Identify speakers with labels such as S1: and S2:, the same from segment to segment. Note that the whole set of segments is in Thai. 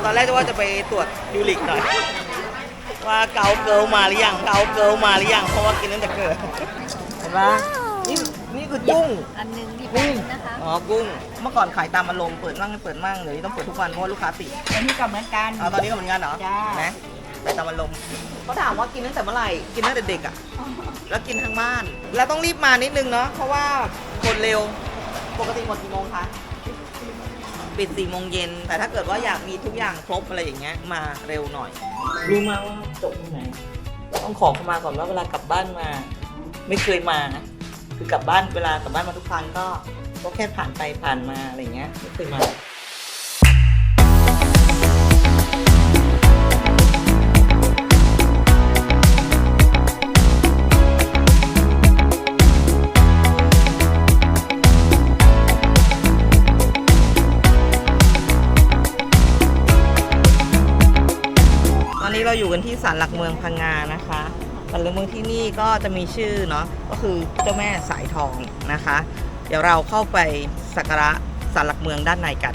S1: ตอนแรกจะว่าจะไปตรวจยูริกหน่อยว่าเกาเกิลมาหรือยังเกาเกิลมาหรือยังเพราะว่ากินตั้งแต่เกิดเห็นปะนี่คือกุ้ง
S2: อันนึงนี่เป็นนะคะ
S1: อ๋อกุ้งเมื่อก่อนขายตามอารมณ์เปิดมั่งไม่เปิดมั่งเดี๋ยวนี้ต้องเปิดทุกวันเพราะว่าลูกค้าติด
S2: อันนี้ก็เหมือนกัน
S1: ตอนนี้ก็เหมือนกันเหรอ
S2: จ้า
S1: นะไปตามอารมณ์เขาถามว่ากินตั้งแต่เมื่อไหร่กินตั้งแต่เด็กอ่ะแล้วกินทั้งบ้านแล้วต้องรีบมานิดนึงเนาะเพราะว่าคนเร็วปกติหมดกี่โมงคะปิด4 โมงเย็นแต่ถ้าเกิดว่าอยากมีทุกอย่างครบอะไรอย่างเงี้ยมาเร็วหน่อยรู้มาว่าจบที่ไหนต้องขอเข้ามาก่อนว่าเวลากลับบ้านมาไม่เคยมาคือกลับบ้านเวลากลับบ้านมาทุกครั้งก็แค่ผ่านไปผ่านมาอะไรเงี้ยไม่เคยมาตอนนี้เราอยู่กันที่ศาลหลักเมืองพังงานะคะศาลหลักเมืองที่นี่ก็จะมีชื่อเนาะก็คือเจ้าแม่สายทองนะคะ เดี๋ยวเราเข้าไปสักการะศาลหลักเมืองด้านในกัน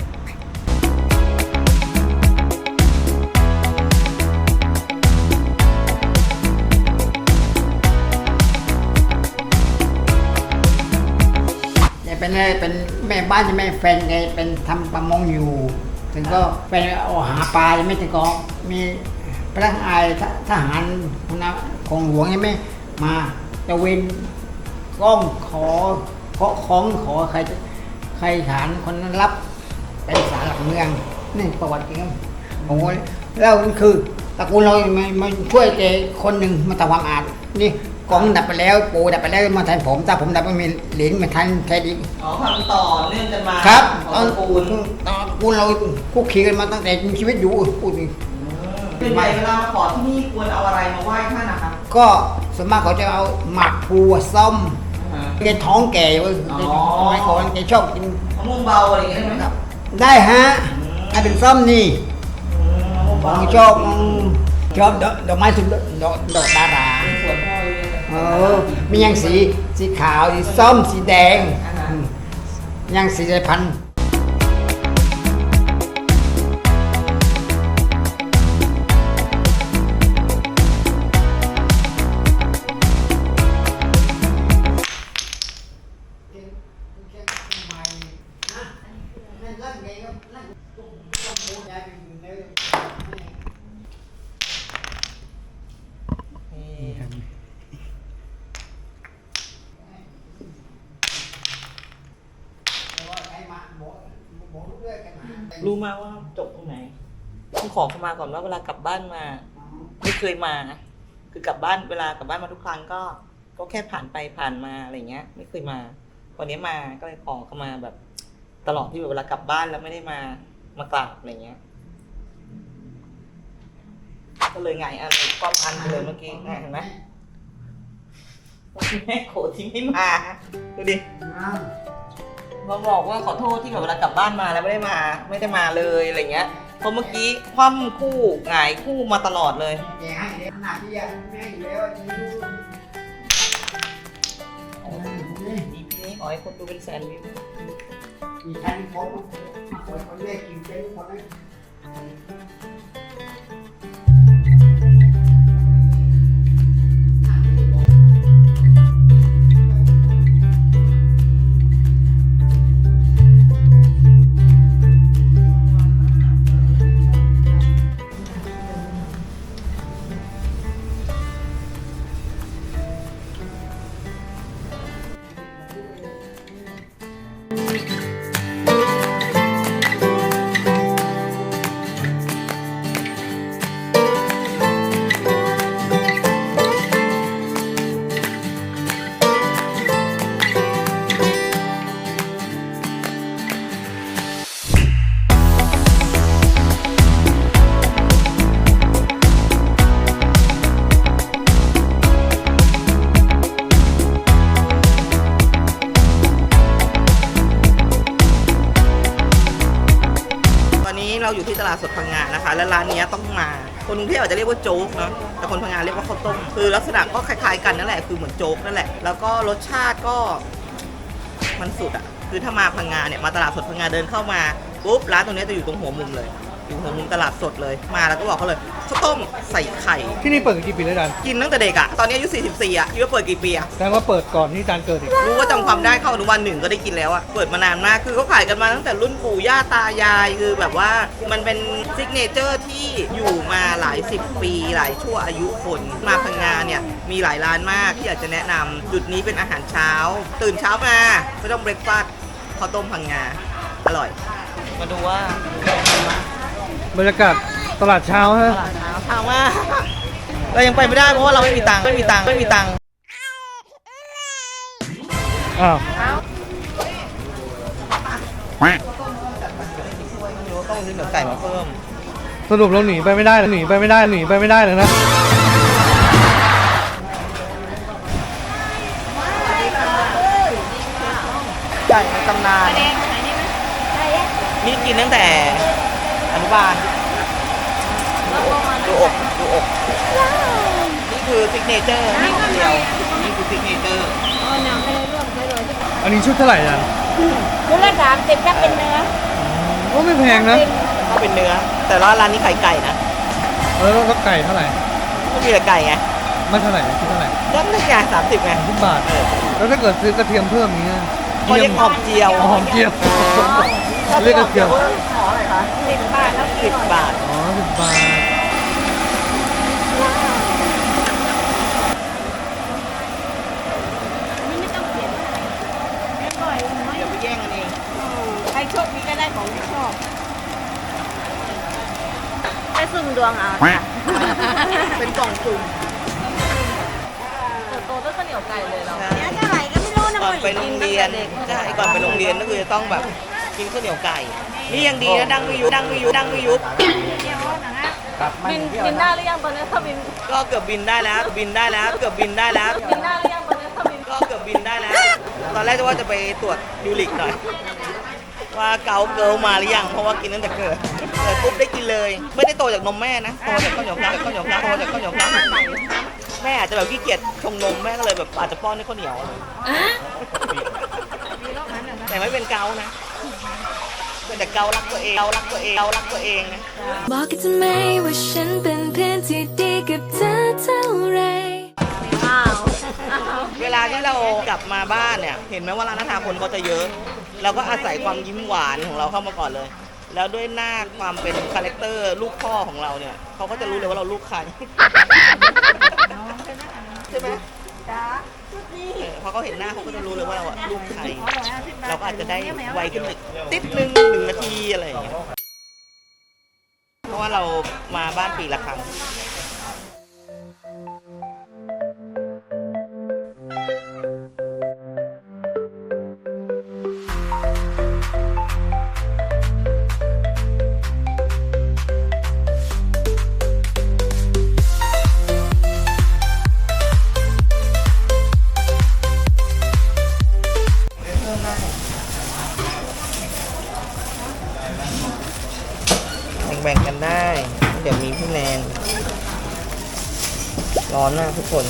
S3: เป็นแม่บ้านจะแม่แฟนไงเป็นทำประมงอยู่ ถึงก็เป็นเอาหาปลาไม่ถึงก็มีพนักงานทหารของหลวงใช่ไหมมาตะเวนก้องขอของขอใครฐานคนนั้นรับไปศาลหลักเมืองนี่ประวัติจริงผมว่าแล้วคือตระกูลเรามาช่วยแกคนหนึ่งมาทำความสะอาดนี่กองดับไปแล้วปูดับไปแล้วมาแทนผมถ้าผมดับไม่มีเหรียญมาแทนแค่ดี
S1: อ๋อทำต่อเนื่องกันมา
S3: ครับตระกูลเราคุกคีกันมาตั้งแต่มีชีวิตอยู่พูดนี่
S1: เป็นไงเวลามาขอที่นี่ควรเอาอะไรมาไหว้ท่านนะคะ
S3: ก็ส่วนมากเขาจะเอาหมักปูส้มแกท้องแก่เว้ยทำไมก่อนแกชอบกิน
S1: มะม่วงเบาอะไรอย่างเงี้ยได้ไหมครับ
S3: ได้ฮะให้เป็นส้มนี่ผมชอบดอกไม้สุดดอกดารา
S1: สวนพ่อเลย
S3: มียังสีขาวสีส้มสีแดงยังสีสายพันธุ์
S1: รู้มาว่าจบตรงไหนต้องขอเข้ามาก่อนว่าเวลากลับบ้านมาไม่เคยมาคือกลับบ้านเวลากลับบ้านมาทุกครั้งก็แค่ผ่านไปผ่านมาอะไรเงี้ยไม่เคยมาวันนี้มาก็เลยขอเข้ามาแบบตลอดที่แบบเวลากลับบ้านแล้วไม่ได้มากราบอะไรเงี้ยก็เลยไงอะไรความพันเลยเมื่อกี้เห็นไหมแม่โขที่ไม่มาดูดิมาบอกว่าขอโทษที่แบบเวลากลับบ้านมาแล้วไม่ได้มาเลยอะไรเงี้ยเพราะเมื่อกี้คว่ำคู่หงายคู่มาตลอดเลย
S3: ขนาดที่แม่อยู่แล้ว
S1: นี่ขอให้คนดูเป็นแสนวิว
S3: มีใครมีคนแรกกินเป็นคนนั้น
S1: เราอยู่ที่ตลาดสดพังงานะคะและร้านนี้ต้องมาคนกรุงเทพอาจจะเรียกว่าโจ๊กเนาะแต่คนพังงาเรียกว่าข้าวต้มคือลักษณะก็คล้ายๆกันนั่นแหละคือเหมือนโจ๊กนั่นแหละแล้วก็รสชาติก็มันสุดอ่ะคือถ้ามาพังงาเนี่ยมาตลาดสดพังงาเดินเข้ามาปุ๊บร้านตรงนี้จะอยู่ตรงหัวมุมเลยอยู่ตรงมุมตลาดสดเลยมาแล้วก็บอกเขาเลยข้าวต้มใส่ไข่
S4: ที่นี่เปิดกี่ปีแล้วจัน
S1: กินตั้งแต่เด็กอะตอนนี้อายุ44อะคิดว่าเปิดกี่ปีอะ
S4: แสดงว่าเปิดก่อนที่จันเกิดอีก
S1: รู้ว่าจำความได้เข้าอนุบาลหนึ่งก็ได้กินแล้วอะเปิดมานานมากคือเขาขายกันมาตั้งแต่รุ่นปู่ย่าตายายคือแบบว่ามันเป็นซิกเนเจอร์ที่อยู่มาหลายสิบปีหลายชั่วอายุคนมาพังงาเนี่ยมีหลายร้านมากที่อยากจะแนะนำจุดนี้เป็นอาหารเช้า ตื่นเช้ามาไม่ต้องเบรกฟาสต์ข้าวต้มพังงาอร่อย มาดูว่า
S4: บรรยากาศตลาดเช้าฮะ
S1: ตลาดเช้าถามว่าเรายังไปไม่ได้เพราะว่าเราไม่มีตังค์ไม่มีตังค์ไม่มีตังค์
S4: อ้าว
S1: ต้องซื้อเนื้อไก่มาเพิ่ม
S4: สรุปเราหนีไปไม่ได้หนีไปไม่ได้หนีไปไม่ได้เลยนะ
S1: ไก่ในตำนานนี่กินตั้งแต่อนุบาลดูอกดูอกนี่คือซิกเนเจอร์นี่คนเดียวนี่คือซิกเนเจอร์
S4: อันนี้ชุดเท่าไหร่จัน
S2: ชุดละ30ถ้าเป็นเนื้อ
S4: โอ้ไม่แพงนะ
S1: ก็เป็นเนื้อ แต่ว่าร้านนี้ขายไก่นะ
S4: แล้วไก่เท่าไหร่
S1: ก็มีแต่ไก่ไง
S4: ไม่เท่าไหร่ชุดเท่าไหร่
S1: ก็ไม่ใช่30ไง
S4: 10 บาท แล้วถ้าเกิดซื้อกระเทียมเพิ่มนี้ย
S1: เขาเรียกหอมเจียว
S4: หอมเจียวเรียกกระเทียม
S1: หออะไรคะ
S2: 10 บาทแล้ว
S1: 10 บาท
S4: อ๋อ10 บาท
S2: นี่ไม่ต้องเขียนอะไรไม่ปล่อยน้อย
S1: เดี๋ยวไปแย่งกันเอง
S2: ใครโชคดีก็ได้ของที่ชอบไปสุ่มดวงเอาค่ะ
S1: เป็นกล่องสุ่ม
S2: โตๆด้วยข้าวเหนียวไก่เลยเรา
S1: ใช่
S2: เนี้ยเท่าไหร่ก็ไม่รู้นะ
S1: ก่อนไปโรงเรียนใช่ก่อนไปโรงเรียนก็คือจะต้องแบบกินข้าวเหนียวไก่ นี่ยังดีนะดังไม่ยุบดังไม่ยุบดังไม่ยุบ
S2: บินได้หรือยังตอนนี้ถ้าบิน
S1: ก็เกือบบินได้แล้วบินได้แล้วเกือบบินได้แล้ว
S2: บินได้หรือยังตอนนี้ถ้าบิน
S1: ก็เกือบบินได้แล้ว ตอนแรกจะว่าจะไปตรวจยูริกหน่อย ว่าเกาเกิลมาหรือยังเพราะว่ากินตั้งแต่เกิดปุ๊บได้กินเลย ไม่ได้โตจากนมแม่นะโตจากข้าวเหนียวพลักข้าวเหนียวพลักโตจากข้าวเหนียวพลักแม่อาจจะแบบขี้เกียจชงนมแม่ก็เลยแบบอาจจะป้อนให้ข้าวเหนียวแต่ไม่เป็นเกานะเป็นแต่เการักตัวเองเการักตัวเองเการักตัวเองนะ
S5: บอกกันทำไมว่าฉันเป็นเพื่อนที่ดีกับเธอเท่าไร
S2: อ้าว
S1: เวลาที่เรากลับมาบ้านเนี่ย เห็นไหมว่าร้านอาหารคนเขาจะเยอะ เราก็อาศัยความยิ้มหวานของเราเข้ามาก่อนเลย แล้วด้วยหน้าความเป็นคาแรคเตอร์ลูกพ่อของเราเนี่ยเขาก็จะรู้เลยว่าเราลูกใครใช่ไหมพอเขาเห็นหน้าเขาก็จะรู้เลยว่าเราอะลูกใคร เราก็อาจจะได้ไวขึ้นติดนึง1 นาทีอะไรอย่างเงี้ยเพราะว่าเรามาบ้านปีละครั้ง แบ่งๆกันได้ เดี๋ยวมีพี่แนนร้อนมากทุกคน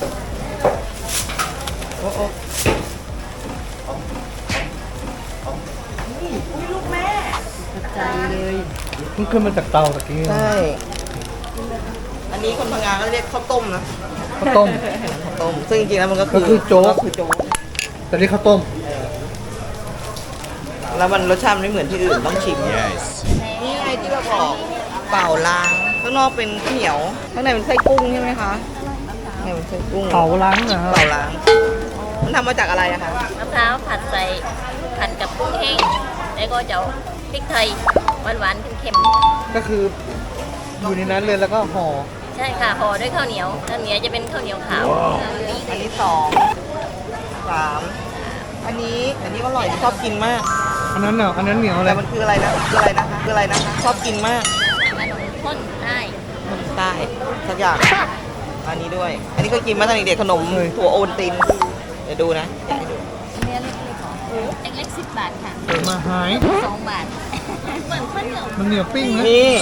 S1: โอ้โอ้ลูกแม่
S2: ใจเลย
S4: เพิ่งขึ้นมาจากเตาตะกี้
S1: ใช่ อันนี้คนพังงาก็เรียกข้าวต้มนะ
S4: ข้าวต้ม
S1: ข้าวต้ม ซึ่งจริงๆแล้วมันก็คือ
S4: ก็คือโจ๊ก
S1: ก็คือโจ๊ก
S4: แต่นี่ข้าวต้ม
S1: แล้วมันรสชาติไม่เหมือนที่อื่นต้องชิม นี่ไงที่เราบอกเป่าล้างข้างนอกเป็นข้าวเหนียวข้างในเป็นไส้กุ้งใช่ไหมคะข้างในเป็นไส้กุ้ง
S4: เผาล้างนะฮะ
S1: เป่าล้าง มันทำมาจากอะไรอะคะ
S2: มะพร้าวผัดใส่ผัดกับกุ้งแห้งแล้วก็จะเอาพริกไทยหวานๆเค็ม
S4: ก็คืออยู่ในนั้นเลยแล้วก็ห่อ
S2: ๆใช่ค่ะห่อด้วยข้าวเหนียวข้าวเหนียวจะเป็นข้าวเหนียวขาว
S1: อันนี้2 3อันนี้อร่อยชอบกินมาก
S4: อันนั้นเนาะอันนั้นเหนียวอะไร
S1: แต่มันคืออะไรนะคืออะไรนะคะชอบกินมาก
S2: ขนมข้นได้
S1: ใต้สักอย่างอันนี้ด้วย อันนี้ก็กินมาตั้งแต่เด็กขนมถั่วโอนตินเดี๋ยวดูนะแกะให้ดู
S2: เนื้อเล็กๆของเล็กๆ10 บาทค่ะ
S4: เปิดมาหาย
S2: 2 บาทเหมือนข้าวเหนียว
S4: มันเหนียวปิ้งนะ
S1: นี่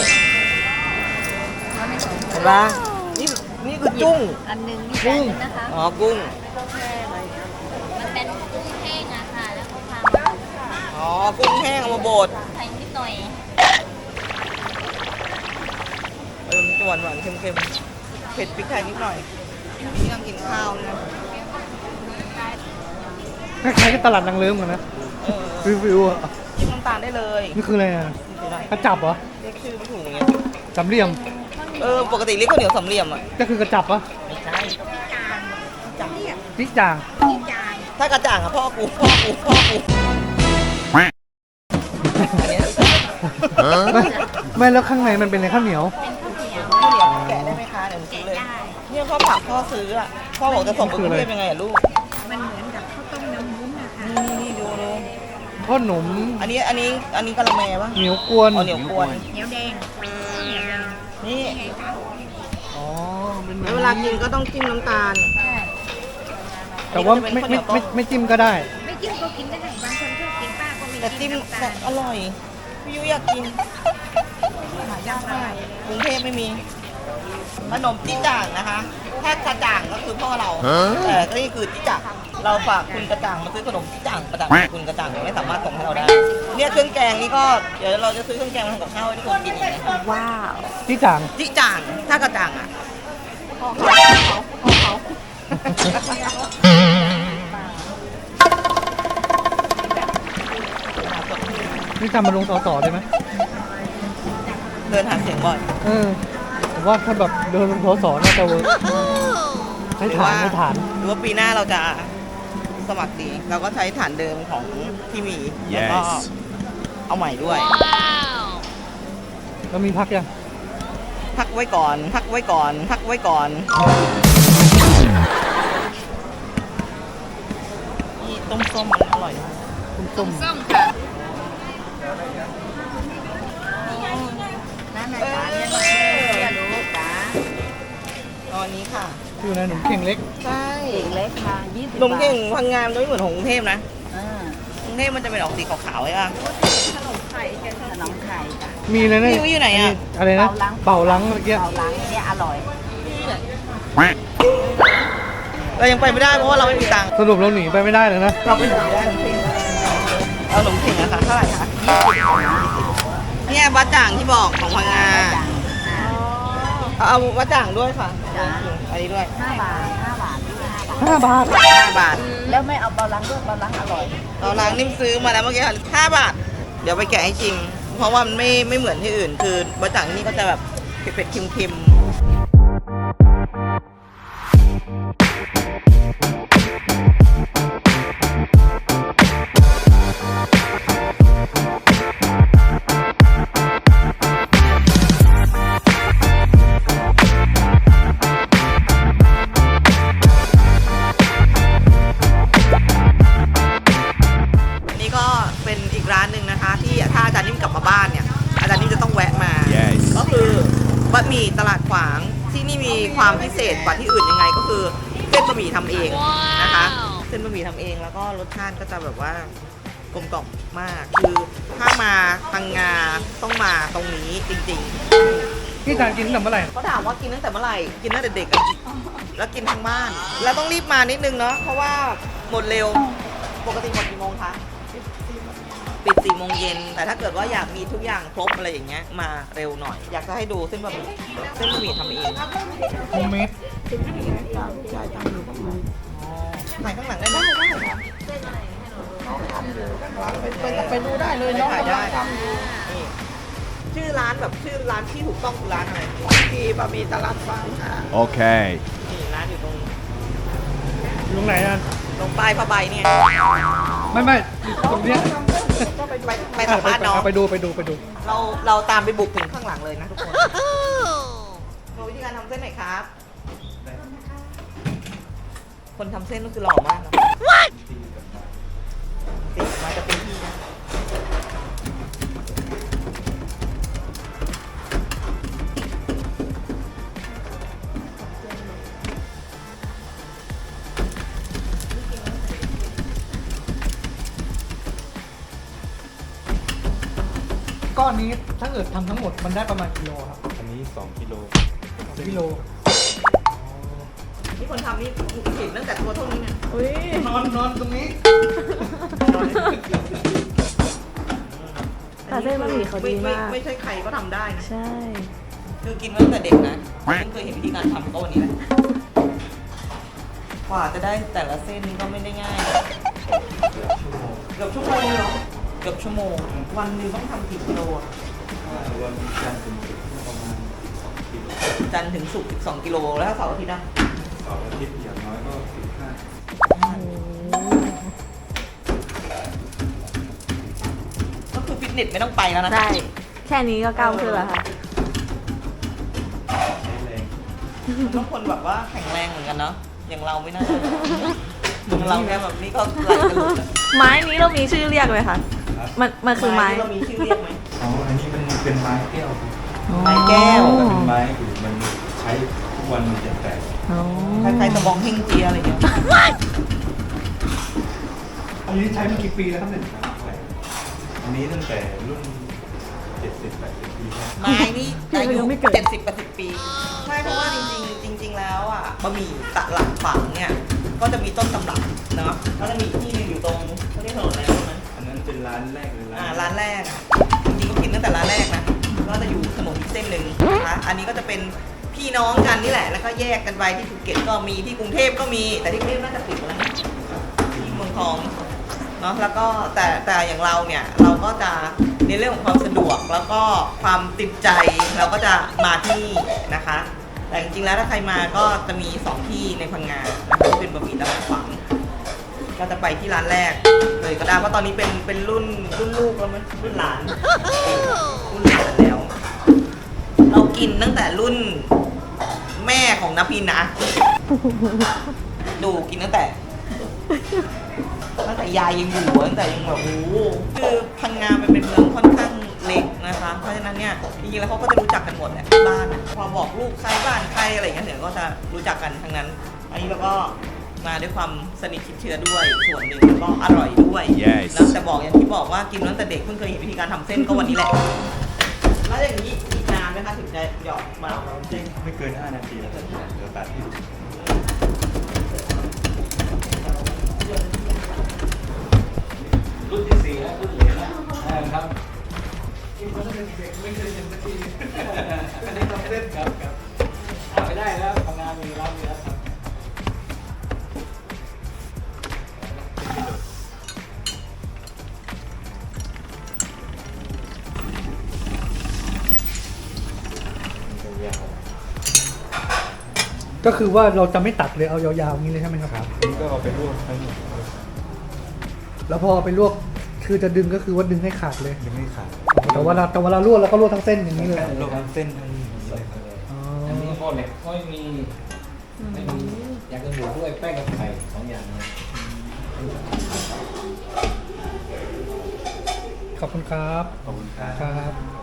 S1: เห็นปะนี่คือจุ้ง
S2: อันหนึงนี่จานนึงนะคะ
S1: อ๋อกุ้ง
S2: มันเป็นกุ้งแห้งอะค่ะแล้วก็พามา
S1: อ๋อกุ้งแห้งเอามาบด
S2: ใส่นิดหน่อย
S1: หวานๆเค็มๆเผ็ดพริกไทยนิดหน่อยนี่นั่งกินข้าวนะ
S4: คล้ายๆกับตลาดนางเลิ้มกันนะ
S1: เออ
S4: วิวๆอ่ะ
S1: จิ้มน้ำตาลได้เลย
S4: นี่คืออะไรอ่ะกระจับเหรอ
S1: เรียกชื่อไม่ถูกอย่างเงี้ย
S4: สามเหลี่ยม
S1: ปกติเรียกข้าวเหนียวสามเหลี่ยมอ่ะ
S4: ก็คือกระจับปะ
S1: ไม่ใช่จัง
S4: พริกจ่าง
S1: ถ้ากระจ่างอ่ะพ่อกูอันเนี้ย
S4: ไม่แล้วข้างในมันเป็นอะไรข้าวเหนียว
S1: ข้าวเหนียวแกะได้ไหมคะเดี๋ยวหนูซื้อเลยเนี่ยพ่อฝากพ่อซื้ออ่ะพ่อบอกจะส่งไปกรุงเทพยังไงอ่ะลูกมันเหมือนกับข้าวต้มน้ำวุ้นนะคะนี่ดู
S4: ทอดหนม
S1: อันนี้กะละแมปะ
S4: เหนียวกวน
S1: อ๋อเหนียวกวน นี่
S4: อ๋อเป็นแบบ
S1: แล้วเวลากินก็ต้องจิ้มน้ำตาล
S4: แต่ว่า
S1: นี่ก็จะเป็นข้าวเหนียวต้ม
S4: ไม่จิ้มก็ได้
S6: ไม่จิ้มก็กินได้ บางคนชอบกินป้าก็ไม่
S1: แต่
S6: กิ
S1: จิ้
S6: น
S1: ม
S6: น้ำตา
S1: แต่
S6: ล
S1: อร่อยพี่ยุ้ยอยากกินหายากมากกรุงเทพไม่มีขนมจี้จ่างนะคะ ถ้ากระจ่างก็คือพ่อเรา แต่ก็นี่คือจี้จ่างเราฝากคุณกระจ่างมาซื้อขนมจี้จ่างประจ่างคุณกระจ่างไม่สามารถส่งให้เราได้ เนี่ยเครื่องแกงนี่ก็เดี๋ยวเราจะซื้อเครื่องแกงมาทำกับข้าวให้ทุกคนกินอีกนะ
S6: ว้าว
S4: ที่จ่าง
S1: จี้จ่างถ้ากระจ่างอ่ะพ่อเขา
S4: นี่จำมาลงสอได้ไหม
S1: เดินหาเสียงบ่อย
S4: ผมว่าถ้าแบบเดินลงสอน่าจะเวิร์กใช้ฐาน
S1: หรือว่าปีหน้าเราจะสมัครดี เราก็ใช้ฐานเดิมของที่มี แล้วก็เอาใหม่ด้วย
S4: แล้วมีพักยัง
S1: พักไว้ก่อน พักไว้ก่อน พักไว้ก่อน นี่ต้มส้มมันอร่อยมาก
S4: ต้ม
S6: ส้มค่ะนั่นนะจ๊ะเนี่ยลูกจ้า
S1: ตอนนี้ค่ะ
S4: อยู่ในหนุ่มเข่งเล็ก
S1: ใช่
S6: เด็กเล็กค่ะ20
S1: นมเก่งพังงานจะไม่เหมือนของกรุงเทพนะ
S6: อ่าก
S1: รุงเทพมันจะเป็นออกสีขาวๆใช่ป่ะ
S6: ขนมไข่จ้ะ
S4: มีอะไรนะ
S1: พี่อยู่ไหนอะ
S4: อะไรนะเป่าลังเมื่อกี้
S6: เผาล้างเนี่ยอร่อย
S1: เรายังไปไม่ได้เพราะว่าเราไม่มีตังค์
S4: สรุปเราหนีไปไม่ได้เลยนะ
S1: เราไปหนีได้เอาขนมเข่งอะค่ะเท่าไหร่คะเนี่ยบะจ่างที่บอกของพังงาเอาบะจ่างด้วยค่ะอันนี้ด้วย
S6: 5 บาท 5 บาท
S4: 5 บาท
S1: 5 บาท
S6: แล้วไม่เอาเบาล้างด้วยเบาล้างอร่อย
S1: เราล้างนิ่มซื้อมาแล้วเมื่อกี้ค่ะ5 บาท เดี๋ยวไปแกะให้ชิม เพราะว่ามันไม่เหมือนที่อื่น คือบะจ่างที่นี่ก็จะแบบเผ็ดๆเค็มๆนี่ก็เป็นอีกร้านหนึ่งนะคะ ที่ถ้าอาจารย์นิ่มกลับมาบ้านเนี่ย อาจารย์นิ่มจะต้องแวะมา ก็คือบะหมี่ตลาดขวางที่นี่มีความพิเศษกว่าที่อื่นยังไงก็คือเส้นบะหมี่ทำเองนะคะ เส้นบะหมี่ทำเองแล้วก็รสชาติก็จะแบบว่ากลมกล่อมมาก คือถ้ามาพังงาต้องมาตรงนี้จริง
S4: ที่จานกินตั้งแต่เมื่อไหร่
S1: ๆเขาถามว่ากินตั้งแต่เมื่อไหร่กินตั้งแต่เด็กอะแล้วกินทั้งบ้าน แล้วต้องรีบมานิดนึงเนาะเพราะว่าหมดเร็วปกติหมดกี่โมงคะปิด4 โมงเย็นแต่ถ้าเกิดว่าอยากมีทุกอย่างครบอะไรอย่างเงี้ยมาเร็วหน่อย อยากจะให้ดูเส้นบะหมี่ทำเอง
S4: โฮมเมด
S1: ถ่ายข้างหลังได้ไหมไปดูได้เลยเนาะได้นี่ชื่อร้านแบบชื่อร้านที่ถูกต้องคือร้านอะไรที่บะหมี่ตลาดฟางค่ะ
S7: Okay.
S1: นี่ร้านอยู่ตรง
S4: อยู่ตรงไหนอ่ะ
S1: ตรงป้ายผ้าใบเนี่ย
S4: ไม่ตรงเนี้ย
S1: ก็ไปสัมภาษณ์น้อง
S4: ไปดู
S1: เราตามไปบุกถึงข้างหลังเลยนะทุกคนโชว์วิธีการทำเส้นหน่อยครับ คนทำเส้นก็คือหล่อมากนะติดมาจะเป็นที่นะ
S4: ก้อนนี้ถ้าเกิดทำทั้งหมดมันได้ประมาณกิโลครับ
S7: อันนี้2 กิโล
S4: กิโล
S1: นี่คนทำนี่เห็นตั้งแต่ตัวเท่านี้เนี่ย
S4: นอนตรงนี้
S8: แต่เส้นบะหมี่เขาดีมาก
S1: ไม่ใช่ใครก็ทำได้นะ
S8: ใช่
S1: ใช่คือกินมาตั้งแต่เด็กนะเพิ่งเคยเห็นวิธีการทำก็วันนี้แหละกว่าจะได้แต่ละเส้นนี่ก็ไม่ได้ง่ายเกือบชั่วโมงเลยเหรอเกือบชั่วโมงวันหนึงต้องทำกี่กิโลอะ
S7: วันจันทร์ถึงศุกร์ประมาณ2 กิโล
S1: จันทร์ถึงศุกร์12 กิโลแล้วถ้าเสาร์อาทิตย์นะ
S7: เสาร์อาทิตย์อย่างน้อยก็15
S1: ก็คือฟิตเนสไม่ต้องไปแล้วนะ
S8: ได้ แค่นี้ก็ก้าวขึ้นแล้วค่ะ
S7: ใช้แรง
S1: มันต้องคนแบบว่าแข็งแรงเหมือนกันเนาะอย่างเราไม่น่าอย่างเราแค่แบบนี้ก็ไหลกันหลุดอะ
S8: ไม้นี้เรามีชื่อเรียกไหมคะ มันคือไม้
S1: ที่เรามีชื่อเรียกไหม
S7: อ๋ออันนี้มันเป็นไม้แก้วครับ
S1: ไม้แก้ว
S7: แต่เป็นไม้อยู่มันใช้ทุกวันมันจะแตก
S1: คล้ายๆตะบองเฮงเจียอะไรอย่างเงี้ย
S4: อันนี้ใช้มากี่ปีแล้วครับเนี่ย
S7: อันนี้ตั้งแต่รุ่น 70-80 ปีแล้ว
S1: ไม้นี่อายุ
S8: ยังไม่เกิด
S1: 70-80 ปี ใช่เพราะว่าจริงๆแล้วอ่ะบะหมี่ตะหลักฝังเนี่ยก็จะมีต้นตำรับเนาะก็จะมีที่หนึงอยู่ตรงเขาเรียกถนนอะไรรู้ไหม
S7: อันนั้นเป็นร้านแรกเลย
S1: ร้านแรกอะจริงๆก็กินตั้งแต่ร้านแรกนะก็จะอยู่ถนนอีกเส้นหนึ่งนะคะอันนี้ก็จะเป็นพี่น้องกันนี่แหละ แล้วก็แยกกันไปที่ภูเก็ตก็มีที่กรุงเทพก็มีแต่ที่กรุงเทพน่าจะปิดไปแล้วนะที่เมืองทองเนาะแล้วก็แต่อย่างเราเนี่ยเราก็จะในเรื่องของความสะดวกแล้วก็ความติดใจเราก็จะมาที่นี่นะคะ แต่จริงๆแล้วถ้าใครมาก็จะมี2ที่ในพังงานะคะที่เป็นบะหมี่ตลาดฝัง ก็จะไปที่ร้านแรกเลยก็ได้เพราะตอนนี้เป็นรุ่นลูกแล้วมั้ยรุ่นหลานรุ่นหลานแล้ว เรากินตั้งแต่รุ่นแม่ของนภินนะ ดูกินตั้งแต่ยายยังอยู่ตั้งแต่ยังแบบโอ้โหคือพังงามันเป็นเมืองค่อนข้างเล็กนะคะเพราะฉะนั้นเนี่ยจริงๆแล้วเขาก็จะรู้จักกันหมดแหละบ้านอะพอบอกลูกใครบ้านใครอะไรอย่างเงี้ยเดี๋ยวก็จะรู้จักกันทั้งนั้น อันนี้เราก็มาด้วยความสนิทชิดเชื้อด้วยส่วนหนึ่งแล้วก็อร่อยด้วยแล้วแต่บอกอย่างที่บอกว่ากินมาตั้งแต่เด็กเพิ่งเคยเห็นวิธีการทำเส้นก็วันนี้แหละแล้วอย่างนี้อีกนานไหมคะถึงจะหยอดมา
S7: จริงไม่เกิน 5 นาทีแล้วจะเหลือตัดที่รุ่นที่4แล้วรุ่นเหรียญแล้วครับอันนี้ทำเส้นครับไม่ได้แล้วทำงานมีรับมีแล้วครับ
S4: ก็คือว่าเราจะไม่ตัดเลยเอายาวๆอย่างนี้เลยใช่ไหมครับ
S7: นี่ก็เอาไปลวกทั้งหมด
S4: แล้วพอเอาไปลวกคือจะดึงก็คือว่าดึงให้ขาดเลย
S7: ยังไม่ขาด
S4: แต่ว่าเราลวกเราก็ลวกทั้งเส้นอย่างนี้เลย
S7: ลวกทั้งเส้นทั้งเลย
S4: อ๋อ
S9: อันนี้หม้อเหล็กไม่มีอย่างอื่นอยู่ด้วยแป้งกับไข่2 อย่างเลย
S4: ขอบคุณครับ
S7: ขอบคุณครับ
S4: ครับ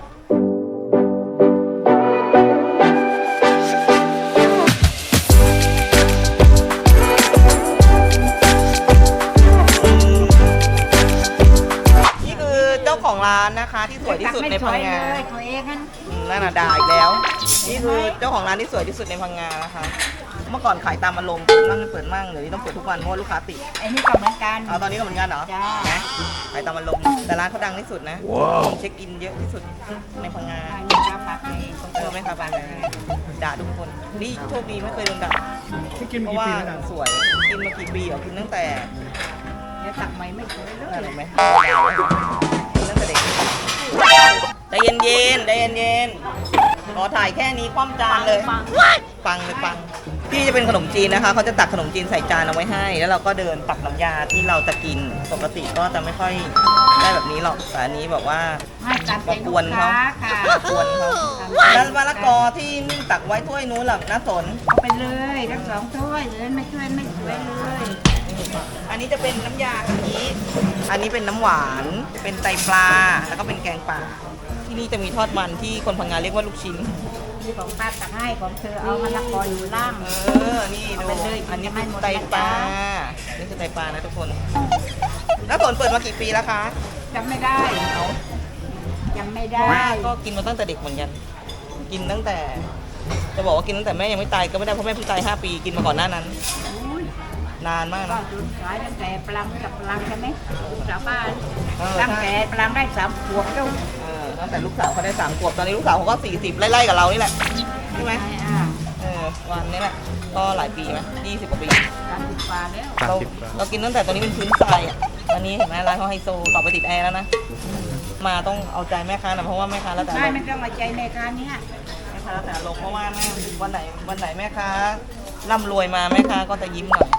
S1: นี่คือเจ้าของร้านนะคะที่สวยที่สุดในพังงา
S6: เขาเองนั่น
S1: นั่นน่ะด่าอีกแล้ว นี่คือเจ้าของร้านที่สวยที่สุดในพังงานะคะ เมื่อก่อนขายตามอารมณ์เปิดมั่งไม่เปิดมั่งเดี๋ยวนี้ต้องเปิดทุกวันเพราะว่าลูกค้าติด
S6: ไอ้นี่ก็เหมือนกัน
S1: เอาตอนนี้ก็เหมือนกันเหรอ
S6: จ้า
S1: นะขายตามอารมณ์แต่ร้านเขาดังที่สุดนะคนเช็คอินเยอะที่สุดในพังงา
S6: อันนี้ก็ผักเอง
S1: ไม่ค่ะบ้านด่าทุกคนนี่โชคดีไม่เคยโดนด่า
S4: ที่กิน
S1: เพ
S4: มา
S1: ราะ
S4: กี่
S1: ว่า
S4: ปีแล้วนะ
S1: สวยกินมากี่ปีเหรอกินตั้งแต่
S6: เดี๋ยวตักใหม่ไม่เคยเล
S1: นั่น
S6: ย
S1: เห็นไหมกินตั้งแต่เด็กใจเย็นๆใจเย็นๆขอถ่ายแค่นี้คว่ำจานเลย ฟังเลยฟังที่จะเป็นขนมจีนนะคะเขาจะตักขนมจีนใส่จานเอาไว้ให้ แล้วเราก็เดินตักน้ำยาที่เราจะกินปกติก็จะไม่ค่อยได้แบบนี้หรอกแต่อันนี้แบบว่า
S6: ให้ตามใจ
S1: มาก
S6: ลู
S1: ว
S6: ก
S1: น
S6: ค้า
S1: เขา
S6: ค่ะ
S1: มากวนเขาแล้วมะละกอที่นึ่งตักไว้ถ้วยนู้นหรอน้าสน
S6: เอาไปเลยทั้ง2 ถ้วยเลยไม่ช่วยไม่สวยเลย
S1: อันนี้จะเป็นน้ำยากะทิอันนี้เป็นน้ำหวาน เป็นไตปลา แล้วก็เป็นแกงป่า ที่นี่จะมีทอดมันที่คนพังงาเรียกว่าลูกชิ้น
S6: ที่ของป้าตักให้ของเธอเอามะละกออยู่ล่าง
S1: นี่ดู
S6: เอาไปเลย
S1: อันนี้เป็น
S6: จะไม่หมด
S1: ไตปลา
S6: นะคะ
S1: นี่คือไตปลานะทุกคน แล้วผลเปิดมากี่ปีแล้วคะ
S6: จำไม่ได้
S1: เอา
S6: ยังไม่
S1: เพ
S6: ได้
S1: ราะว่าก็กินมาตั้งแต่เด็กเหมือนกัน กินตั้งแต่ จะบอกว่ากินตั้งแต่แม่ยังไม่ตายก็ไม่ได้เพราะแม่เพิ่งตาย5 ปี กินมาก่อนหน้านั้น
S6: อุ้ย
S1: นานมาก
S6: ก็
S1: นะ
S6: จุดขายตั้งแต่ปลังกับปลังใช่ไหมชาวบ้าน
S1: เออ
S6: ตั้งแต่ปลังได้3 ขวบแล้ว
S1: เออตั้งแต่ลูกสาวเขาได้3 ขวบตอนนี้ลูกสาวเขาก็40ไล่ๆกับเรานี่แหละใช่ไหมวันนี้แหละก็หลายปีไหม20 กว่าปี
S6: 30 กว่าแล้ว
S1: เรากินตั้งแต่ตอนนี้เป็นพื้นทรายอ่ะตอนนี้เห็นไหมร้านเขาไฮโซต่อไปติดแอร์แล้วนะมาต้องเอาใจแม่ค้านะเพราะว่าแม่ค้าแล้วแต่
S6: ไม่ต้องมาใจในการนี้
S1: แม่ค้าแล้วแต่ลงเพราะว่าแม่วันไหนแม่ค้าร่ำรวยมาแม่ค้าก็จะยิ้มหน่อย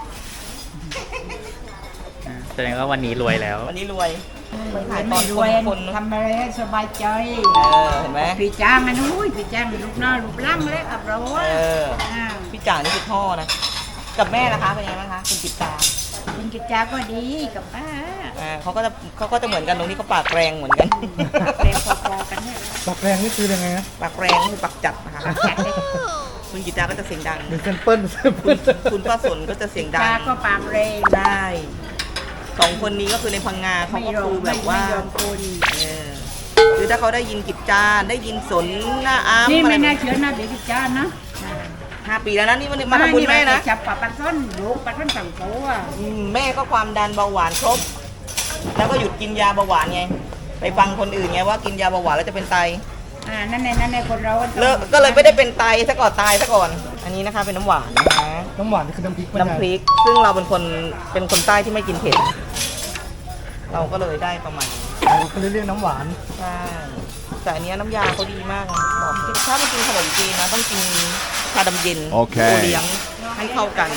S4: แสดงว่าวันนี้รวยแล้ว
S1: วันนี้รวยขายตอ
S6: ไม่
S1: น
S6: รวย
S1: คน
S6: ทำอะไรให้สบายใจ
S1: เห็นไหม
S6: พี่จ้างมันอุ้ยพี่จ้างลูกหน้าลูกล่างแล้วกับเรา
S1: พี่จ่างนี่คือพ่อนะกับแม่นะคะเป็นไงบ้างคะคุณกิตตา
S6: คุณกิจจาก็ดีกับป้า
S1: เขาก็จะเหมือนกันตรงที่เขาปากแรงเหมือนกัน
S6: เร็วพอๆกันเนี่ย
S4: ปากแรงนี่คือยังไงนะ
S1: ปากแรงคือปากจัดนะคะคุณกิตตาก็จะเสียงดัง
S4: เป็นเซมเปิล
S1: คุณป้าสนก็จะเสียงดัง
S6: จ้าก็ปากเรง
S1: ได้2 คนนี้ก็คือในพังงาเขาก็คือแบบว่า
S6: ไม่ยอมคน
S1: คือถ้าเขาได้ยินกิจจาได้ยินสนหน้าอ้าม
S6: นี่
S1: อะไร
S6: ไม่น่าเชื่อนะเด็กกิจจานะ
S1: 5 ปีแล้วนะนี่มาทำบุญแม่นะ
S6: จับปะปัดส้นลูกปัดส้นสั่งโตอ่ะ
S1: แม่ก็ความดันเบาหวานครบ แล้วก็หยุดกินยาเบาหวานไง ไปฟังคนอื่นไงว่ากินยาเบาหวานแล้วจะเป็นไต
S6: นั่นในคนเรา
S1: ก็เลยไม่ได้เป็นไตซะก่อนตายซะก่อน อันนี้นะคะเป็นน้ำหวานนะคะ
S4: น้ำหวานนี่คือน้ำพริก
S1: น้ำพริก ซึ่งเราเป็นคนใต้ที่ไม่กินเผ็ด เราก็เลยได้ประมาณนี้
S4: เขาเรียกน้ำหวาน
S1: ใช่แต่อันเนี้ยน้ำยาเขาดีมากนะบอกถ้าไม่กินขนมจีนนะต้องกินชาดำเย็น
S9: โอเค
S1: โอเลี้ยงให้เข้ากัน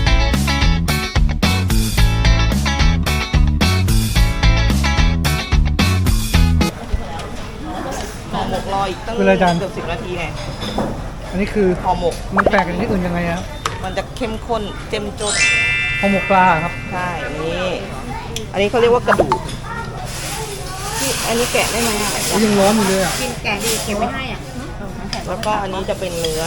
S1: ห่อหมกรออีกตั้ง
S4: เวลาจาน
S1: เกือบ10 นาทีไง
S4: อันนี้คือ
S1: ห่อหมก
S4: มันแปลกจากที่อื่นยังไงครับ
S1: มันจะเข้มข้นเจ้มจน
S4: ห่อหมกปลาครับ
S1: ใช่นี่อันนี้เขาเรียกว่ากระดูกที่อันนี้แกะได้ไหมอะ
S4: ยังร้อนอยู่เลยอ่ะ
S6: กินแกงดีเก็บไว้ให้อ่ะ
S1: แล้วก็อันนี้จะเป็นเนื้อก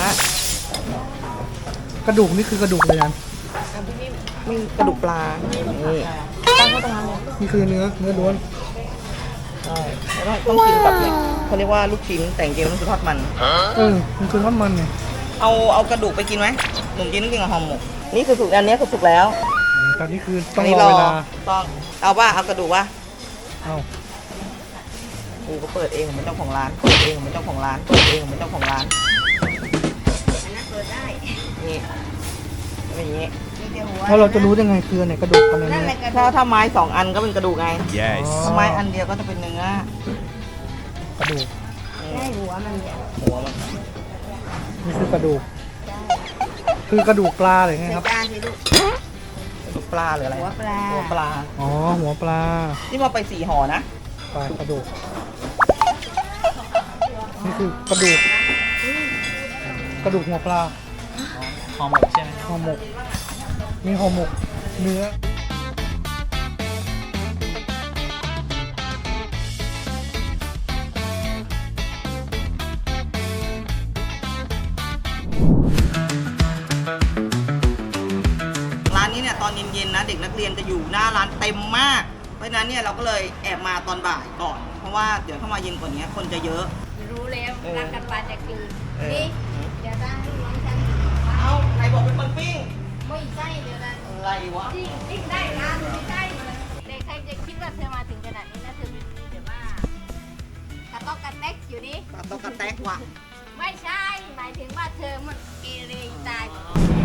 S4: ระดูกนี่คือกระดูกเลยยัน
S1: มีกระดูกปลานี่ตั้งไว้ตรงนั้นเลย
S4: นี่คือเนื้อล้วน
S1: ใช่แล้วต้องกินกับเนี่ยเขาเรียกว่าลูกชิ้นแต่จริงๆมันคือทอดมัน
S4: มันคือทอดมันไง
S1: เอากระดูกไปกินไหมหนุ่มจีนต้องกินกับห่อหมกนี่คือสุกอันนี้คือสุกแล้ว
S4: ตอนนี้คือต้อง
S1: นนี้
S4: รอเวลา
S1: ต้องเอาว่าเอากระดูกว่า
S4: เอา
S1: กูก็เปิดเองผมเป็นเจ้าของร้านเปิดเองผมเป็นเจ้าของร้านเปิดเองผมเป็นเจ้าของร้าน
S6: อันนั้นเปิดได้
S1: นี่เป็นอย่างนี้
S6: มีแต่หัว
S4: แล้วเราจะรู้ยังไงคืออันไหนกระดูกอันไหน
S6: นั่น
S4: เนื้
S6: แห
S4: อ
S6: ละกระ
S1: ถ้าไม้2 อันก็เป็นกระดูกไง
S9: Yes
S1: ถ้าไม้อันเดียวก็จะเป็นเนื้อก
S4: ระดูก
S6: ได้หัวมันเนี่ย
S1: หัวมัน
S4: นี่คือกระดูก คือกระดูกปลาหรือไงครับ
S6: จานสิลูก
S1: กระดูกปลาหรืออะไร
S6: หัวปลา
S1: หัวปลา
S4: อ๋อหัวปลา
S1: นี่มาไป4 ห่อนะ
S4: ปลากระดูก นี่คือกระดูก กระดูกหัวปลา
S1: ห่อหมกใช่ไหม
S4: ห่อหมก มีห่อหมกเนื้อ
S1: ร้านนี้เนี่ยตอนเย็นๆนะเด็กนักเรียนจะอยู่หน้าร้านเต็มมาก เพราะฉะนั้นเนี่ยเราก็เลยแอบมาตอนบ่ายก่อน เพราะว่าเดี๋ยวเข้ามาเย็นกว่านี้คนจะเยอะ
S2: รู้แล้วรักกันปานจะคืน
S1: เออ
S2: นี่เดี๋ยวตั้งให้น้องฉัน
S1: เอาใครบอกเป็นคนปิ้ง
S2: ไม่ใช่เดี๋ยวนั้น
S1: อะไรวะ
S2: จริงได้ร้านไม่ใช่เด็กใครจะคิดว่าเธอมาถึงขนาดนี้นะเธอเป็นเดี๋ยวว่ากระต๊อกกระแตกอยู่นี่
S1: ตัดตกกระแตกว่ะ
S2: ไม่ใช่ หมายถึงว่าเธอมันเกเรตาย